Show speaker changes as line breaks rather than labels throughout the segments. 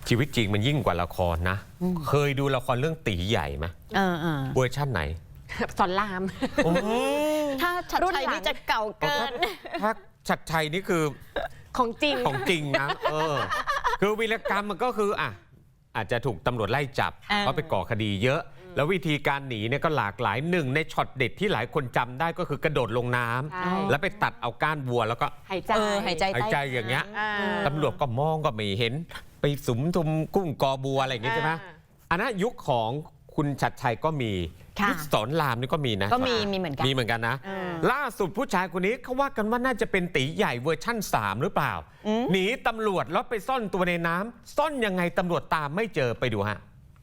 ชีวิตจริงมันยิ่งกว่าละครนะเคยดูละครเรื่องตีใหญ่ไหมเวอร์ชั่นไหน
สอนราม
ถ้าชัดชัยนี่จะเก่าเกิน
ถ้าชัดชัยนี่คือ
ของจริง
นะคือวีรกรรมมันก็คืออาจจะถูกตำรวจไล่จับเพราะไปก่อคดีเยอะแล้ววิธีการหนีเนี่ยก็หลากหลายหนึ่งในช็อตเด็ดที่หลายคนจำได้ก็คือกระโดดลงน้ำแล้วไปตัดเอาก้านวัวแล้วก็
หายใจ
อย่างเงี้ยตำรวจก็มองก็ไม่เห็นไปสุมทุมกุ้งกอบัวอะไรอย่างเงี้ยใช่ไหมอันนั้นยุคของคุณชัดชัยก็มียุคสอนรามนี่ก็มีนะ
ก็มีเหมือนกัน
นะล่าสุดผู้ชายคนนี้เขาว่ากันว่าน่าจะเป็นตีใหญ่เวอร์ชั่น3หรือเปล่าหนีตำรวจแล้วไปซ่อนตัวในน้ำซ่อนยังไงตำรวจตามไม่เจอไปดูฮะ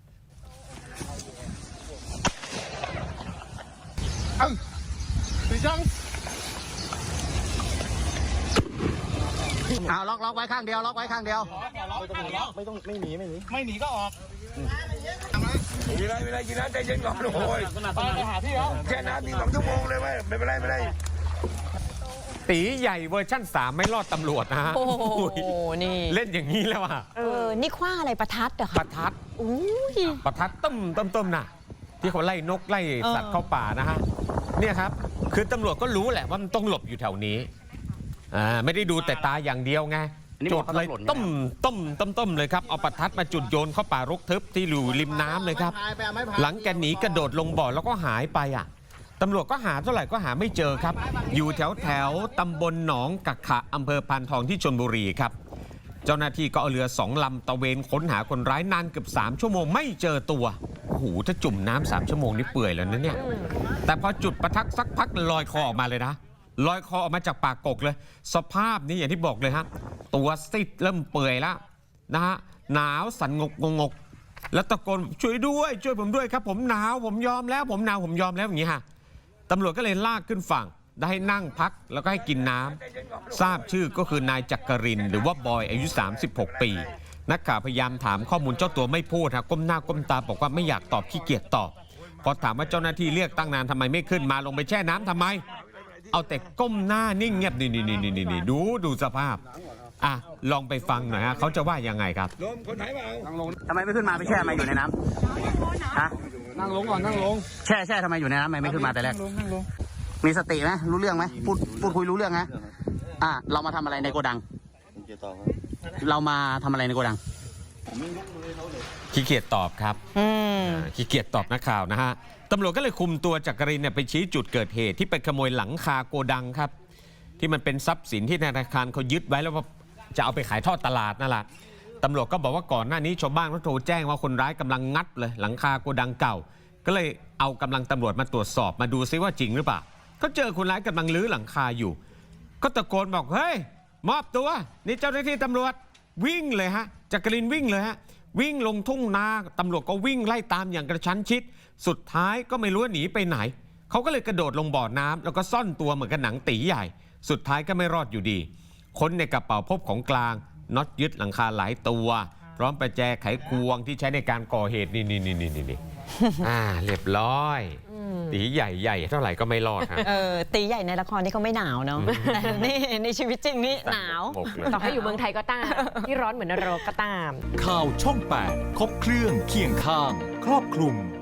เอาล็อกไว้ข้างเดียวล็อกไว้ข้างเดียว
ไม่หนีก็ออกไม่ได้กินน้ำใจเย็นก่อนโอ้ยไปหาพี่แล้วแค่น้ำมี2 ชั่วโมงเลยไม่เป็นไร
ตีใหญ่เวอร์ชั่น3ไม่รอดตำรวจนะฮะ
โอ้โหนี่
เล่นอย่างนี้แล้วอ่ะ
นี่คว้าอะไรประทัดเหรอคะ
ประทัดประทัดต้มน่ะที่เขาไล่นกไล่สัตว์เข้าป่านะฮะเนี่ยครับคือตำรวจก็รู้แหละว่ามันต้องหลบอยู่แถวนี้ไม่ได้ดูแต่ตาอย่างเดียวไงจุดเลยต้มเลยครับเอาประทัดมาจุดโยนเข้าป่ารกทึบที่อยู่ริมน้ำเลยครับหลังแกหนีกระโดดลงบ่อแล้วก็หายไปตำรวจก็หาเท่าไหร่ก็หาไม่เจอครับอยู่แถวตำบลหนองกักขะอำเภอพานทองที่ชลบุรีครับเจ้าหน้าที่ก็เอาเรือ2 ลำตะเวนค้นหาคนร้ายนานเกือบ3 ชั่วโมงไม่เจอตัวโอ้โหถ้าจุ่มน้ำ3 ชั่วโมงนี่เปื่อยแล้วนะเนี่ยแต่พอจุดประทัดสักพักลอยคอออกมาเลยนะลอยคอออกมาจากปากกกเลยสภาพนี้อย่างที่บอกเลยฮะตัวซีดเริ่มเปื่อยแล้วนะฮะหนาวสั่นงกแล้วตะโกนช่วยผมด้วยครับผมหนาวผมยอมแล้วผมหนาวผมยอมแล้วอย่างนี้ฮะตำรวจก็เลยลากขึ้นฝั่งได้ให้นั่งพักแล้วก็ให้กินน้ำทราบชื่อก็คือนายจักรินทร์หรือว่าบอยอายุ36 ปีนักข่าวพยายามถามข้อมูลเจ้าตัวไม่พูดก้มหน้าก้มตาบอกว่าไม่อยากตอบขี้เกียจตอบพอถามว่าเจ้าหน้าที่เรียกตั้งนานทำไมไม่ขึ้นมาลงไปแช่น้ำทำไมเอาแต่ก้มหน้านิ่งเงียบนี่ดูสภาพลองไปฟังหน่อยฮะเขาจะว่ายังไงครับ
ทำไมไม่ขึ้นมาไปแช่มาอยู่ในน้ำ
นั่งลงก่อนนั่งลง
แช่ทำไมอยู่ในน้ำไม่ขึ้นมาแต่แรกมีสติไหมรู้เรื่องไหมพูดคุยรู้เรื่องนะเรามาทำอะไรในโกดังเรามาทำอะไรในโกดัง
ขี้เกียจตอบครับขี้เกียจตอบนักข่าวนะฮะตำรวจก็เลยคุมตัวจักรินทร์ไปชี้จุดเกิดเหตุที่ไปขโมยหลังคาโกดังครับที่มันเป็นทรัพย์สินที่ธนาคารเขายึดไว้แล้วว่าจะเอาไปขายทอดตลาดนั่นแหละตำรวจก็บอกว่าก่อนหน้านี้ชาวบ้านเขาโทรแจ้งว่าคนร้ายกำลังงัดเลยหลังคาโกดังเก่าก็เลยเอากำลังตำรวจมาตรวจสอบมาดูซิว่าจริงหรือเปล่าก็เจอคนร้ายกำลังรื้อหลังคาอยู่ก็ตะโกนบอกเฮ้ยมอบตัวนี่เจ้าหน้าที่ตำรวจวิ่งเลยฮะจักรินทร์วิ่งเลยฮะวิ่งลงทุ่งนาตำรวจก็วิ่งไล่ตามอย่างกระชั้นชิดสุดท้ายก็ไม่รู้หนีไปไหนเขาก็เลยกระโดดลงบ่อน้ำแล้วก็ซ่อนตัวเหมือนกับหนังตีใหญ่สุดท้ายก็ไม่รอดอยู่ดีค้นในกระเป๋าพบของกลางน็อตยึดหลังคาหลายตัวพร้อมประแจไขควงที่ใช้ในการก่อเหตุนี่เรียบร้อยตีใหญ่เท่าไหร่ก็ไม่รอดฮะ
ตีใหญ่ในละครนี่เขาไม่หนาวเนาะแต่นี่ในชีวิตจริงนี่หนาว
ต่อให้อยู่เมืองไทยก็ตามที่ร้อนเหมือนนรกก็ตาม
ข่าวช่อง 8 ครบเครื่องเคียงข้างครอบคลุม